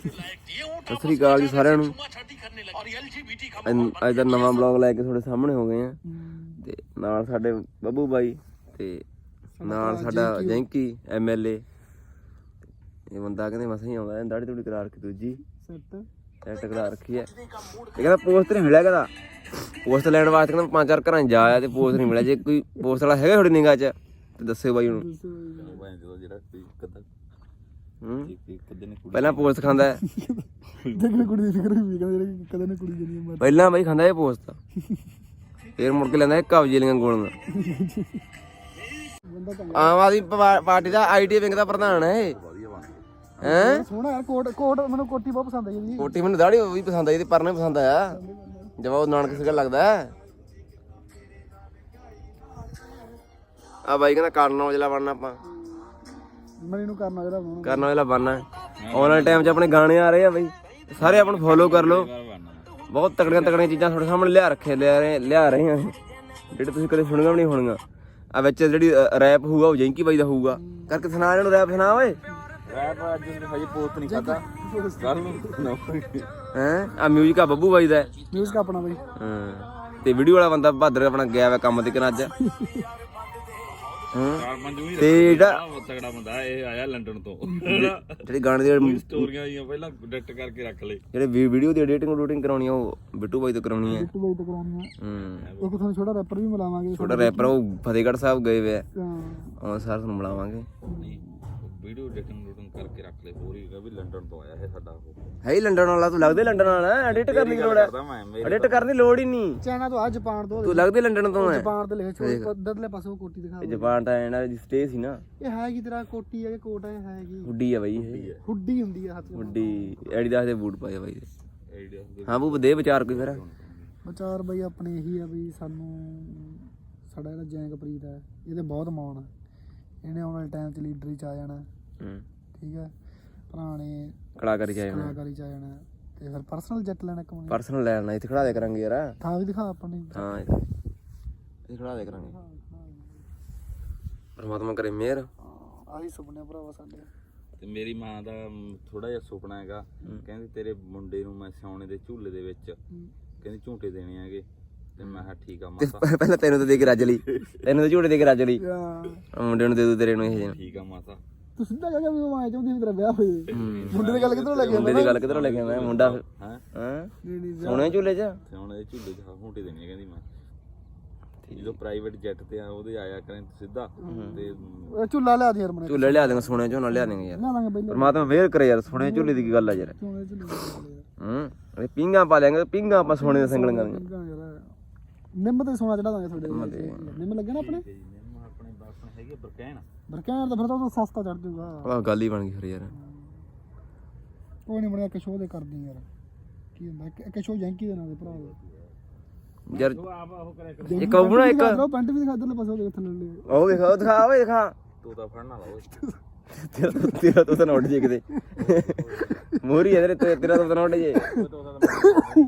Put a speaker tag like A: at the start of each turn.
A: ਸਤਿ ਸ੍ਰੀ ਅਕਾਲ ਜੀ ਸਾਰਿਆਂ ਨੂੰ। ਅੱਜ ਦਾ ਨਵਾਂ ਬਲੌਗ ਲੈ ਕੇ ਤੁਹਾਡੇ ਸਾਹਮਣੇ ਹੋ ਗਏ ਆ ਤੇ ਨਾਲ ਸਾਡੇ ਬੱਬੂ ਬਾਈ ਤੇ ਨਾਲ ਸਾਡਾ ਜੈਂਕੀ MLA। ਇਹ ਬੰਦਾ ਕਹਿੰਦੇ ਮਸਾਂ ਹੀ ਆਉਂਦਾ, ਦਾੜੀ ਤੂੜੀ ਕਰਾ ਰੱਖੀ ਦੂਜੀ ਸੈੱਟ ਕਰਾ ਰੱਖੀ ਹੈ। ਇਹ ਕਹਿੰਦਾ ਪੋਸਟ ਨਹੀਂ ਮਿਲਿਆ, ਕਹਿੰਦਾ ਪੋਸਟ ਲੈਣ ਵਾਸਤੇ ਕਹਿੰਦਾ 5-4 ਘਰਾਂ 'ਚ ਜਾ ਆਇਆ ਤੇ ਪੋਸਟ ਨਹੀਂ ਮਿਲਿਆ। ਜੇ ਕੋਈ ਪੋਸਟ ਵਾਲਾ ਹੈਗਾ ਤੁਹਾਡੀ ਨਿਗਾਹ 'ਚ ਤੇ ਦੱਸਿਓ ਬਾਈ ਹੁਣ। ਪਹਿਲਾਂ ਪੋਸਟ ਖਾਂਦਾ ਹੈ, ਪਹਿਲਾਂ ਬਾਈ ਖਾਂਦਾ ਇਹ ਪੋਸਟ, ਫਿਰ ਮੁੜ ਕੇ ਲੈਂਦਾ ਇਹ ਕਬਜ਼ੇ ਲੀਆਂ ਗੋਲੀਆਂ। ਆਮ ਆਦਮੀ ਪਾਰਟੀ ਦਾ IT ਵਿੰਗ ਦਾ ਪ੍ਰਧਾਨ ਹੈ ਇਹ। ਹੈਂ
B: ਸੋਹਣਾ ਕੋਟ ਮੈਨੂੰ ਕੋਟੀ ਬਹੁਤ ਪਸੰਦ ਆਈ ਜੀ।
A: ਕੋਟੀ ਮੈਨੂੰ ਦਾੜੀ ਵੀ ਪਸੰਦ ਆਈ ਤੇ ਪਰਨਾ ਪਸੰਦ ਆਇਆ, ਜਵਾਬ ਨਾਨਕ ਸਿੰਘਾ ਲੱਗਦਾ। ਆ ਬਾਈ ਕਹਿੰਦਾ ਕਰਨ ਔਜਲਾ ਬਣਨਾ ਆਪਾਂ,
B: ਮੈਨੂੰ ਕਰਨਾ ਜਿਹੜਾ ਬਣਾਉਣਾ,
A: ਕਰਨ ਔਜਲਾ ਬਣਨਾ। ਆਨਲਾਈਨ ਟਾਈਮ 'ਚ ਆਪਣੇ ਗਾਣੇ ਆ ਰਹੇ ਆ ਬਾਈ, ਸਾਰੇ ਆਪਾਂ ਨੂੰ ਫੋਲੋ ਕਰ ਲਓ। ਬਹੁਤ ਤਕੜੀਆਂ ਚੀਜ਼ਾਂ ਤੁਹਾਡੇ ਸਾਹਮਣੇ ਲਿਆ ਰਹੇ ਆ ਜਿਹੜੇ ਤੁਸੀਂ ਕਦੇ ਸੁਣੀਆਂ ਵੀ ਨਹੀਂ ਹੋਣੀਆਂ। ਆ ਵਿੱਚ ਜਿਹੜੀ ਰੈਪ ਹੋਊਗਾ ਉਹ ਜੈਂਕੀ ਬਾਈ ਦਾ ਹੋਊਗਾ। ਕਰਕੇ ਸੁਣਾ ਇਹਨੂੰ ਰੈਪ, ਸੁਣਾ ਓਏ ਰੈਪ। ਅੱਜ ਹਜੇ ਪੋਸਟ ਨਹੀਂ ਖਾਦਾ ਹੈ। ਆ ਮਿਊਜ਼ਿਕ ਆ ਬੱਬੂ ਬਾਈ ਦਾ,
B: ਮਿਊਜ਼ਿਕ ਆਪਣਾ ਬਾਈ।
A: ਹਾਂ ਤੇ ਵੀਡੀਓ ਵਾਲਾ ਬੰਦਾ ਬਹਾਦਰ ਆਪਣਾ ਗਿਆ ਵਾ ਕੰਮ ਤੇ ਅੱਜ। ਤੇ ਜਿਹੜਾ
C: ਤਗੜਾ ਬੰਦਾ ਇਹ ਆਇਆ ਲੰਡਨ ਤੋਂ,
A: ਜਿਹੜੀ ਗਾਣੇ ਦੀ
C: ਸਟੋਰੀਆਂ ਜੀਆਂ ਪਹਿਲਾਂ ਐਡਿਟ ਕਰਕੇ ਰੱਖ ਲੈ।
A: ਜਿਹੜੇ ਵੀਡੀਓ ਦੀ ਐਡੀਟਿੰਗ ਕਰਾਉਣੀ ਆ ਉਹ ਬਿੱਟੂ ਬਾਈ ਤੋਂ ਕਰਾਉਣੀ ਹੈ।
B: ਬਿੱਟੂ ਬਾਈ ਤੋਂ ਕਰਾਉਣੀ ਆ। ਇੱਕ ਤੁਹਾਨੂੰ ਛੋਟਾ ਰੈਪਰ ਵੀ ਮਿਲਾਵਾਂਗੇ,
A: ਛੋਟਾ ਰੈਪਰ ਉਹ ਫਤਿਹਗੜ੍ਹ ਸਾਹਿਬ ਗਏ ਵੇ ਆ,
B: ਹਾਂ
A: ਸਾਰ ਤੁਹਾਨੂੰ ਮਿਲਾਵਾਂਗੇ।
C: ਵੀਡੀਓ ਐਡੀਟਿੰਗ ਕਰਕੇ ਰੱਖ ਲੈ। ਹੋਰ ਹੀ ਵੀ ਲੰਡਨ ਤੋਂ ਆਇਆ ਇਹ ਸਾਡਾ ਉਹ
A: ਹੈ ਹੀ ਲੰਡਨ ਵਾਲਾ। ਤੂੰ ਲੱਗਦੇ ਲੰਡਨ ਵਾਲਾ, ਐਡਿਟ ਕਰਨ ਦੀ ਲੋੜ ਹੈ, ਐਡਿਟ ਕਰਨ ਦੀ ਲੋੜ ਹੀ ਨਹੀਂ।
B: ਚਾਈਨਾ ਤੋਂ ਆ, ਜਾਪਾਨ ਤੋਂ।
A: ਤੂੰ ਲੱਗਦੇ ਲੰਡਨ ਤੋਂ ਹੈ।
B: ਜਾਪਾਨ ਤੇ ਲਿਖਿਆ ਛੋਟੇ ਪੱਧਰਲੇ ਪਾਸੋਂ ਕੋਟੀ ਦਿਖਾ।
A: ਜਾਪਾਨ ਤਾਂ ਇਹਨਾਂ ਦੀ ਸਟੇ ਸੀ ਨਾ।
B: ਇਹ ਹੈ ਕੀ ਤੇਰਾ ਕੋਟੀ ਹੈ ਕਿ ਕੋਟ ਹੈ? ਹੈ ਕੀ
A: ਹੁੱਡੀ ਆ ਬਾਈ ਇਹ,
B: ਹੁੱਡੀ ਹੁੰਦੀ ਆ ਹੱਥ
A: ਹੁੱਡੀ। ਐਡੀਦਾਸ ਦੇ ਬੂਟ ਪਾਏ ਬਾਈ ਦੇ। ਹਾਂ ਬੂ ਦੇ ਵਿਚਾਰ ਕੋਈ ਫਿਰ
B: ਵਿਚਾਰ ਬਾਈ ਆਪਣੇ ਇਹੀ ਆ ਵੀ ਸਾਨੂੰ ਸਾਡਾ ਜਿਹੜਾ ਜੈਂਕਪ੍ਰੀਤ ਹੈ ਇਹਦੇ ਬਹੁਤ ਮਾਣ ਆ। ਇਹਨੇ ਆਉਣ ਵਾਲੇ ਟਾਈਮ 'ਚ ਲੀਡਰੀ 'ਚ ਆ ਜਾਣਾ, ਠੀਕ ਹੈ। ਪੁਰਾਣੇ
A: ਕਲਾਕਾਰੀ ਚ ਆ ਜਾਣਾ
B: ਤੇ ਫਿਰ ਪਰਸਨਲ ਜੈਟ ਲੈਣਾ। ਇੱਕ
A: ਪਰਸਨਲ ਲੈਣਾ ਇੱਥੇ ਖੜਾ ਦੇ ਕਰਾਂਗੇ ਯਾਰ।
B: ਥਾਂ ਵੀ ਦਿਖਾ ਆਪਾਂ ਨੇ।
A: ਹਾਂ ਇੱਥੇ ਖੜਾ ਦੇ ਕਰਾਂਗੇ। ਪਰਮਾਤਮਾ ਕਰੇ ਮਿਹਰ।
B: ਆਹੀ ਸੁਪਨੇ ਭਰਾਵਾ ਸਾਡੇ।
C: ਤੇ ਮੇਰੀ ਮਾਂ ਦਾ ਥੋੜਾ ਜਿਹਾ ਸੁਪਨਾ ਹੈਗਾ, ਕਹਿੰਦੀ ਤੇਰੇ ਮੁੰਡੇ ਨੂੰ ਮੈਂ ਸਿਆਉਣੇ ਦੇ ਝੂਲੇ ਦੇ ਵਿੱਚ ਕਹਿੰਦੀ ਝੂਟੇ ਦੇਣੇ ਹੈਗੇ। ਤੇ ਮੈਂ ਕਿਹਾ ਠੀਕ ਆ ਮਾਤਾ।
A: ਪਹਿਲਾਂ ਤੈਨੂੰ ਤਾਂ ਦੇ ਕੇ ਰੱਜ ਲਈ, ਤੈਨੂੰ ਤਾਂ ਝੂਟੇ ਦੇ ਕੇ ਰੱਜ ਲਈ, ਮੁੰਡੇ ਨੂੰ ਦੇ ਦੂ ਤੇਰੇ ਨੂੰ ਇਹ।
C: ਠੀਕ ਆ ਮਾਤਾ।
B: ਤੂੰ ਸਿੱਧਾ ਕਹਿ ਵੀ ਮੈਂ ਚਾਹੁੰਦੀ ਮੇਰਾ ਵਿਆਹ ਹੋਵੇ। ਮੁੰਡੇ ਦੀ ਗੱਲ ਕਿੱਧਰੋਂ ਲੈ ਕੇ
A: ਮੁੰਡੇ ਦੀ ਗੱਲ ਕਿੱਧਰੋਂ ਲੈ ਕੇ ਆਇਆ ਮੁੰਡਾ? ਹਾਂ ਸੋਹਣੇ ਝੂਲੇ 'ਚ
C: ਸਿਆਉਣੇ ਦੇ ਝੂਲੇ 'ਚ ਝੂਟੇ ਦੇਣੇ ਕਹਿੰਦੀ ਮੈਂ। ਜਦੋਂ ਪ੍ਰਾਈਵੇਟ ਜੈਟ ਤੇ ਆ ਉਹਦੇ ਆਇਆ ਕਰੇ ਸਿੱਧਾ ਤੇ
B: ਝੂਲਾ ਲਿਆ ਦੇ ਯਾਰ ਮੈਨੂੰ।
A: ਝੂਲੇ ਲਿਆ ਦੇਂਗੇ, ਸੋਹਣੇ ਝੂਲਾ ਲਿਆ ਦੇਂਗੇ ਯਾਰ।
B: ਲਿਆ ਦਾਂਗੇ ਬਈ।
A: ਪਰਮਾਤਮਾ ਵੇਰ ਕਰੇ ਯਾਰ, ਸੋਹਣੇ ਝੂਲੇ ਦੀ ਕੀ ਗੱਲ ਆ ਯਾਰ। ਇਹ ਪਿੰਗਾ ਪਾ ਲਿਆਂਗੇ, ਪਿੰਗਾ ਆਪਾਂ ਸੋਹਣੇ ਦੇ ਸੰਗਲੀਆਂ ਦੀਆਂ।
B: ਨਿੰਮ ਤੇ ਸੋਨਾ ਚੜਾ ਦਾਂਗੇ ਤੁਹਾਡੇ। ਨਿੰਮ ਲੱਗੇ ਨਾ ਆਪਣੇ
C: ਹੈਗੇ ਬਰਕੈਨ
B: ਤਾਂ ਫਿਰ ਤਾਂ ਉਹ ਸਸਤਾ ਚੜ ਜਾਊਗਾ।
A: ਆਹ ਗੱਲ ਹੀ ਬਣ ਗਈ ਫਿਰ ਯਾਰ।
B: ਕੋਈ ਨਹੀਂ ਬਣਿਆ, ਇੱਕ ਸ਼ੋਅ ਦੇ ਕਰਦੀ ਯਾਰ। ਕੀ ਹੁੰਦਾ ਇੱਕ ਸ਼ੋਅ ਜੈਂਕੀ ਦੇ ਨਾਂ ਦੇ ਭਰਾ
A: ਯਾਰ। ਇੱਕ ਉਹ ਨਾ ਇੱਕ
B: ਪੈਂਟ ਵੀ ਦਿਖਾ ਇਧਰਲੇ ਪਾਸੇ ਦੇਖ ਥੱਲੇ।
A: ਉਹ ਦਿਖਾ ਓਏ ਦਿਖਾ।
C: ਤੂੰ ਤਾਂ ਫੜਨਾ ਲਾ ਓਏ।
A: ਤੇਰਾ ਤਾਂ ਉੱਡ ਜੇ ਕਿਤੇ ਮੋਰੀ ਹੈ ਤੇਰਾ ਤਾਂ ਉੱਡ ਜੇ।